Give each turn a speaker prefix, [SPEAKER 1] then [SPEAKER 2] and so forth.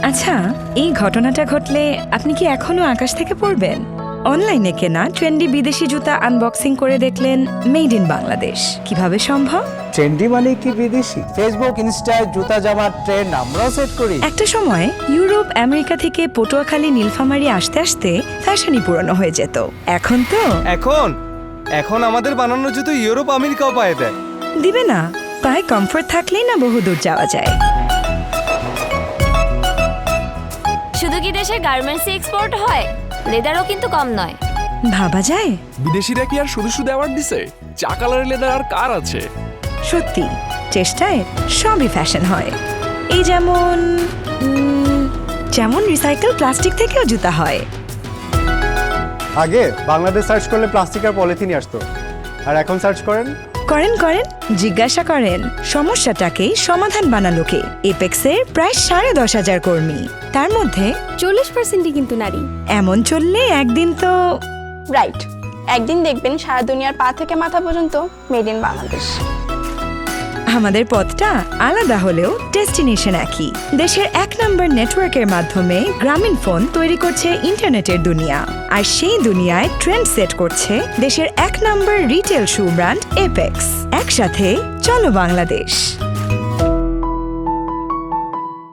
[SPEAKER 1] আচ্ছা, এই ঘটনাটা ঘটলে আপনি কি এখনো আকাশ থেকে পড়বেন? অনলাইনে কেনা ট্রেন্ডি বিদেশি জুতা আনবক্সিং করে দেখলেন মেড ইন বাংলাদেশ। কিভাবে সম্ভব?
[SPEAKER 2] ট্রেন্ডি মানে কি বিদেশি? ফেসবুক ইনস্টায় জুতা জামার ট্রেন্ড আমরাও সেট করি।
[SPEAKER 1] একটা সময় ইউরোপ আমেরিকা থেকে পটুয়াখালী নীলফামারী আসতে আসতে ফ্যাশনই পুরনো হয়ে যেত। এখন তো
[SPEAKER 3] এখন আমাদের বানানো জুতো ইউরোপ আমেরিকাও পায়ে দেয়।
[SPEAKER 1] দিবে না, পায়ে কমফোর্ট থাকলেই না বহুদূর যাওয়া যায়।
[SPEAKER 4] শুধু কি দেশের গার্মেন্টসে এক্সপোর্ট হয়? লেদারও কিন্তু কম নয়।
[SPEAKER 1] ভাবা যায়?
[SPEAKER 5] বিদেশিরা কি আর শুধু শুধু অ্যাওয়ার্ড দিছে? চা কালারের লেদার আর কার আছে?
[SPEAKER 1] সত্যি, চেষ্টায় সবই ফ্যাশন হয়। এই যেমন রিসাইকেল প্লাস্টিক থেকেও জুতা হয়।
[SPEAKER 6] আগে বাংলাদেশ সার্চ করলে প্লাস্টিক আর পলিথিনই আসতো, আর এখন সার্চ করেন
[SPEAKER 1] করেন জিজ্ঞাসা করেন। সমস্যাটাকেই সমাধান বানালো কে? এপেক্সের প্রায় 10,500 কর্মী, তার মধ্যে
[SPEAKER 7] 40%ই কিন্তু নারী।
[SPEAKER 1] এমন চললে একদিন তো
[SPEAKER 7] রাইট, একদিন দেখবেন সারা দুনিয়ার পা থেকে মাথা পর্যন্ত মেড ইন বাংলাদেশ।
[SPEAKER 1] আমাদের পথটা আলাদা হলেও ডেস্টিনেশন একই। দেশের 1 নম্বর নেটওয়ার্কের মাধ্যমে গ্রামীণ ফোন তৈরি করছে ইন্টারনেটের দুনিয়া, আর সেই দুনিয়ায় ট্রেন্ড সেট করছে দেশের 1 নম্বর রিটেল শু ব্র্যান্ড এপেক্স। একসাথে চলো বাংলাদেশ।